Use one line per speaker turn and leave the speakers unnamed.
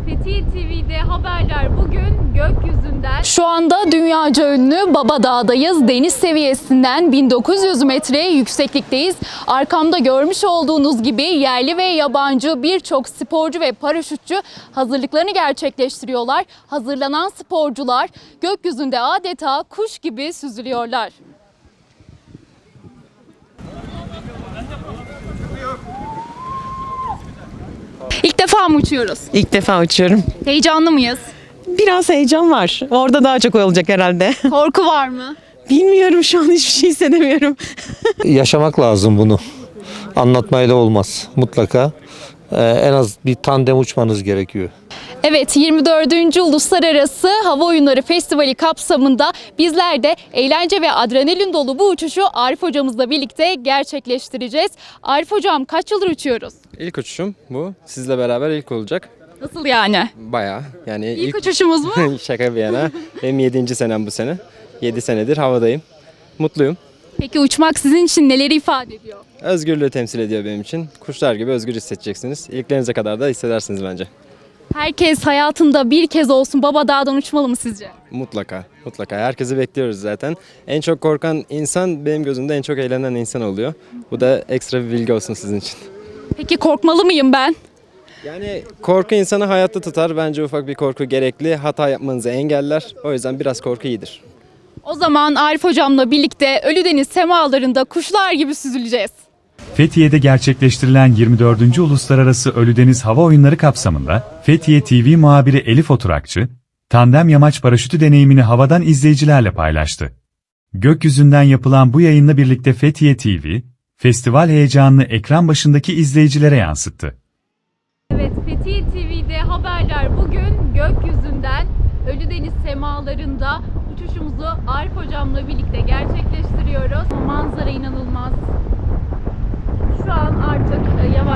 Fethiye TV'de haberler bugün gökyüzünden. Şu anda dünyaca ünlü Baba Dağ'dayız. Deniz seviyesinden 1900 metre yükseklikteyiz. Arkamda görmüş olduğunuz gibi yerli ve yabancı birçok sporcu ve paraşütçü hazırlıklarını gerçekleştiriyorlar. Hazırlanan sporcular gökyüzünde adeta kuş gibi süzülüyorlar. İlk defa mı uçuyoruz?
İlk defa uçuyorum.
Heyecanlı mıyız?
Biraz heyecan var. Orada daha çok olacak herhalde.
Korku var mı?
Bilmiyorum, şu an hiçbir şey hissedemiyorum.
Yaşamak lazım bunu. Anlatmayla olmaz. Mutlaka en az bir tandem uçmanız gerekiyor.
Evet, 24. Uluslararası Hava Oyunları Festivali kapsamında bizler de eğlence ve adrenalin dolu bu uçuşu Arif hocamızla birlikte gerçekleştireceğiz. Arif hocam, kaç yıldır uçuyoruz?
İlk uçuşum bu. Sizle beraber ilk olacak.
Nasıl yani?
Bayağı. Yani
İlk uçuşumuz mu?
şaka bir yana. Benim 7. senem bu sene. 7 senedir havadayım. Mutluyum.
Peki uçmak sizin için neleri ifade ediyor?
Özgürlüğü temsil ediyor benim için. Kuşlar gibi özgür hissedeceksiniz. İlklerinize kadar da hissedersiniz bence.
Herkes hayatında bir kez olsun Baba Dağ'dan uçmalı mı sizce?
Mutlaka. Mutlaka. Herkesi bekliyoruz zaten. En çok korkan insan benim gözümde en çok eğlenen insan oluyor. Bu da ekstra bir bilgi olsun sizin için.
Peki korkmalı mıyım ben?
Yani korku insanı hayatta tutar. Bence ufak bir korku gerekli. Hata yapmanızı engeller. O yüzden biraz korku iyidir.
O zaman Arif hocamla birlikte Ölüdeniz semalarında kuşlar gibi süzüleceğiz.
Fethiye'de gerçekleştirilen 24. Uluslararası Ölüdeniz Hava Oyunları kapsamında Fethiye TV muhabiri Elif Oturakçı, tandem yamaç paraşütü deneyimini havadan izleyicilerle paylaştı. Gökyüzünden yapılan bu yayınla birlikte Fethiye TV, festival heyecanını ekran başındaki izleyicilere yansıttı.
Evet, Fethiye TV'de haberler bugün gökyüzünden Ölüdeniz semalarında uçuşumuzu Arif hocamla birlikte gerçekleştiriyoruz. Manzara inanılmaz. Şu an artık yavaş